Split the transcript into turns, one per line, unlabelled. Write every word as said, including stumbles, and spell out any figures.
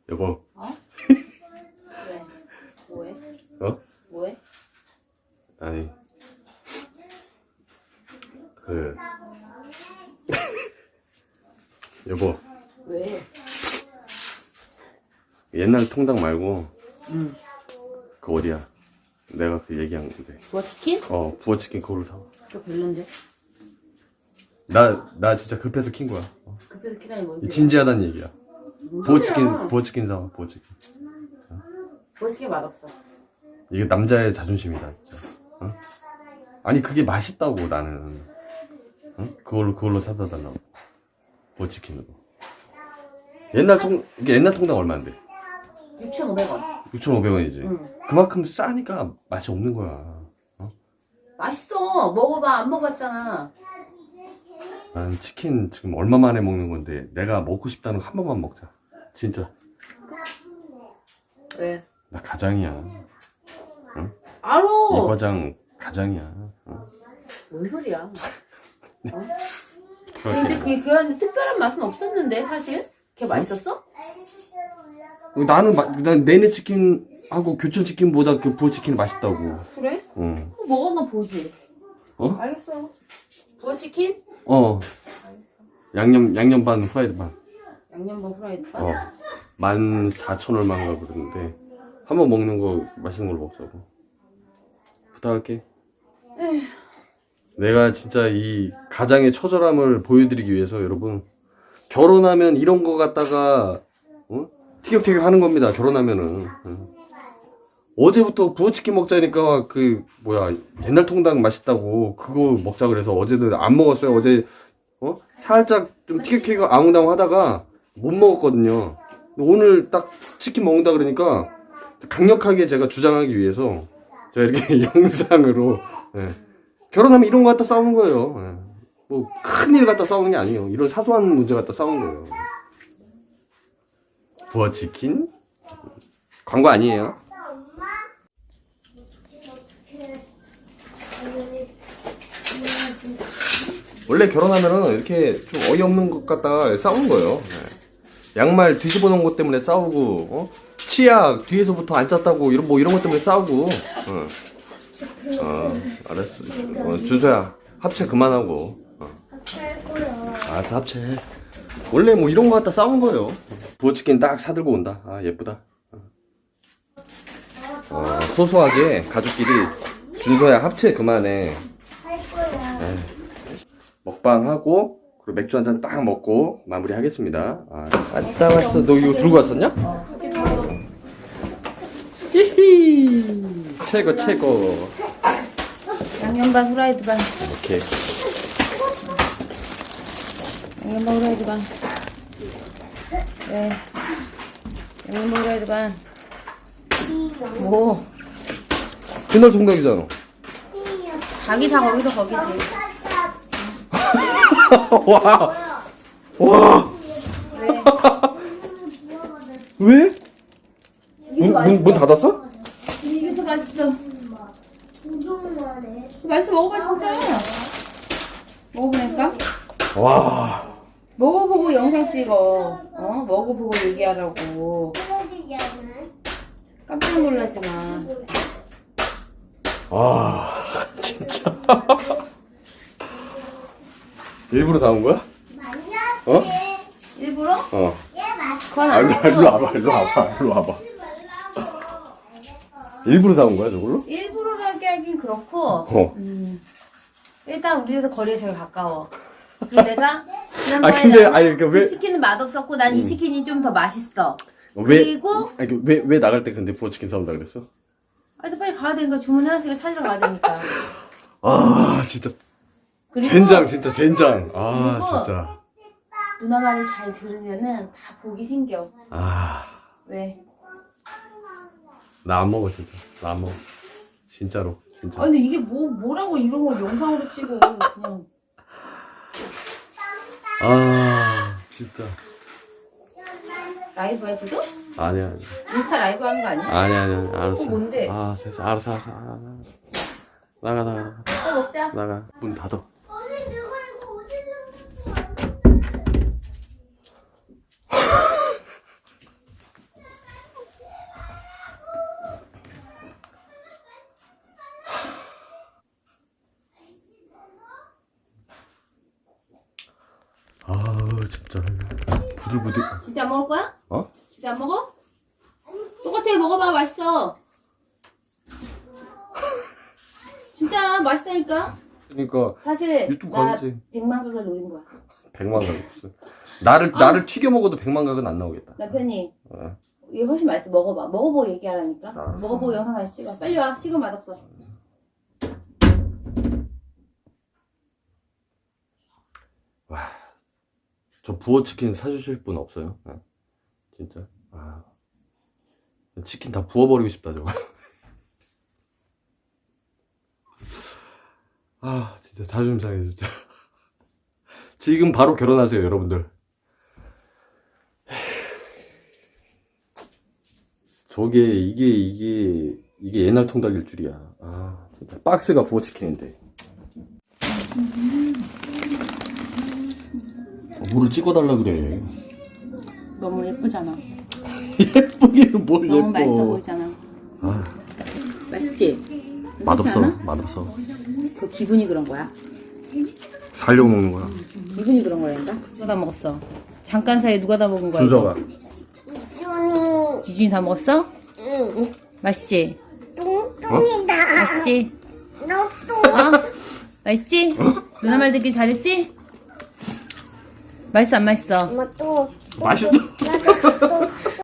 여보.
어? 왜? 뭐해?
어?
뭐해?
아니 그 여보
왜?
옛날 통닭 말고
응.
그 어디야? 내가 그 얘기한 건데.
부어치킨?
어 부어치킨 그거를 사.
그거 별론데?
나 나 진짜 급해서 킨 거야. 어.
급해서 키다니 뭔 소리야?
진지하단 얘기야.
뭔
부어치킨
소리야?
부어치킨 사. 부어치킨.
부어치킨 맛없어.
이게 남자의 자존심이다 진짜. 어? 아니 그게 맛있다고 나는. 어? 그걸로 그걸로 사다 달라고. 부어치킨으로. 옛날 통 이게 옛날 통닭 얼마인데?
육천오백 원.
육천오백 원이지.
응.
그만큼 싸니까 맛이 없는 거야. 어?
맛있어. 먹어봐. 안 먹어봤잖아.
난 치킨 지금 얼마 만에 먹는 건데 내가 먹고 싶다는 거 한 번만 먹자. 진짜.
왜?
나 가장이야. 응?
알아.
이 과장 가장이야. 어?
뭔 소리야? 어?
그렇게.
근데 그게 그 안에 특별한 맛은 없었는데 사실? 그게 맛있었어?
나는 마, 난 내내 치킨하고 교촌 치킨보다 그 부어 치킨이 맛있다고.
그래?
응.
그럼 먹어나 보지.
어?
알겠어. 부어치킨?
어. 양념 양념 반 후라이드 반.
양념반 후라이드 반?
어. 만 사천 얼마인가 그러는데 한 번 먹는 거 맛있는 걸로 먹자고. 부탁할게.
에휴.
내가 진짜 이 가장의 처절함을 보여드리기 위해서 여러분 결혼하면 이런 거 갖다가 어? 티격태격 하는 겁니다. 결혼하면은 어. 어제부터 부어치킨 먹자니까 그 뭐야 옛날 통닭 맛있다고 그거 먹자 그래서 어제도 안 먹었어요. 어제 어? 살짝 좀 티격태격 아웅다웅 하다가 못 먹었거든요. 오늘 딱 치킨 먹는다 그러니까 강력하게 제가 주장하기 위해서 제가 이렇게 영상으로 예. 결혼하면 이런 거 갖다 싸우는 거예요. 예. 뭐 큰일 갖다 싸우는 게 아니에요. 이런 사소한 문제 갖다 싸우는 거예요. 부어치킨? 광고 아니에요. 원래 결혼하면은 이렇게 좀 어이없는 것 갖다가 싸우는 거예요. 예. 양말 뒤집어 놓은 것 때문에 싸우고, 어? 치약 뒤에서부터 안 짰다고 이런 뭐 이런 것 때문에 싸우고. 어, 어 알았어. 어, 준서야 합체 그만하고. 어. 알았어 합체. 원래 뭐 이런 거 갖다 싸운 거예요. 부어치킨 딱 사들고 온다. 아 예쁘다. 어, 소소하게 가족끼리 준서야 합체 그만해. 에이, 먹방하고 그리고 맥주 한 잔 딱 먹고 마무리하겠습니다. 아, 갔다 왔어. 너 이거 들고 왔었냐? 히히 최고 최고.
양념반 후라이드 반.
오케이.
양념반 후라이드 반. 네. 양념반 후라이드 반. 뭐?
그날 통닭이잖아.
자기 다 거기서 거기지.
와. 와.
왜?
왜? 문, 문, 문 닫았어?
이게 더 맛있어. 맛있어. 먹어봐 진짜. 먹어보니까.
와.
먹어보고 영상 찍어. 어? 먹어보고 얘기하라고. 깜짝 놀라지 마.
와. 진짜. 일부러 다 온 거야? 어?
일부러?
어.
그건
아, 일로,
아니고.
일로 와봐, 일로 와봐, 일로 와봐. 일부러 다 온 거야, 저걸로?
일부러라게 하긴 그렇고.
어.
음, 일단 우리 집에서 거리가 제일 가까워. 그리고 내가 지난번에
아, 근데,
나는
아니, 그러니까 왜-
이 치킨은 맛없었고 난 이 치킨이 좀 더 맛있어.
왜,
그리고
아니, 그 왜, 왜 나갈 때 근데 부어치킨 사온다 그랬어?
아, 빨리 가야 되니까 주문해놨으니까 찾으러 가야 되니까.
아, 진짜.
그리고
젠장, 진짜, 젠장. 아,
그리고-
진짜.
누나 말을 잘 들으면은 다 복이 생겨.
아,
왜?
나 안 먹어, 진짜. 나 안 먹어. 진짜로, 진짜.
아니 이게 뭐 뭐라고 이런 걸 영상으로 찍어 그냥.
아, 진짜.
라이브야 지금?
아니야, 아니야.
인스타 라이브 하는 거 아니야?
아니야, 아니야. 알았어.
어, 뭔데?
아, 됐어. 알았어, 알았어. 아, 나가, 나가, 나가.
어, 먹자.
나가. 문 닫아. 진짜 부들부들.
진짜 안 먹을 거야?
어?
진짜 안 먹어? 똑같아 먹어봐 맛있어. 진짜 맛있다니까.
그러니까
사실
유튜브
나
가야지.
백만 각을 노린 거야.
백만 각 없어. 나를 나를 튀겨 먹어도 백만 각은 안 나오겠다.
남편이
어.
이게 훨씬 맛있어. 먹어봐. 먹어보고 얘기하라니까.
알았어.
먹어보고 영상 다시 찍어. 빨리 와. 식은 맛없어.
와, 저 부어 치킨 사주실 분 없어요? 네. 진짜. 아, 치킨 다 부어버리고 싶다 저거. 아, 진짜 자존심 상해 진짜. 지금 바로 결혼하세요 여러분들. 저게 이게 이게 이게 옛날 통닭일 줄이야. 아, 진짜 박스가 부어 치킨인데. 물을 찍어달라 그래.
너무 예쁘잖아.
예쁘기는 뭘
너무
예뻐.
맛있어 보이잖아.
아,
맛있지?
맛없어.
그렇지 않아?
맛없어.
그 기분이 그런 거야.
살려고 먹는 거야.
기분이 그런 거란다. 누가 다 먹었어? 잠깐 사이에 누가 다 먹은 거야?
준서가.
이거? 지준이 다 먹었어?
응.
맛있지?
뚱뚱이다.
맛있지?
너 뚱.
어? 맛있지? 누나 말 듣기 잘했지? 맛있어 안 맛있어?
엄마 또.
맛있어.
나도 또.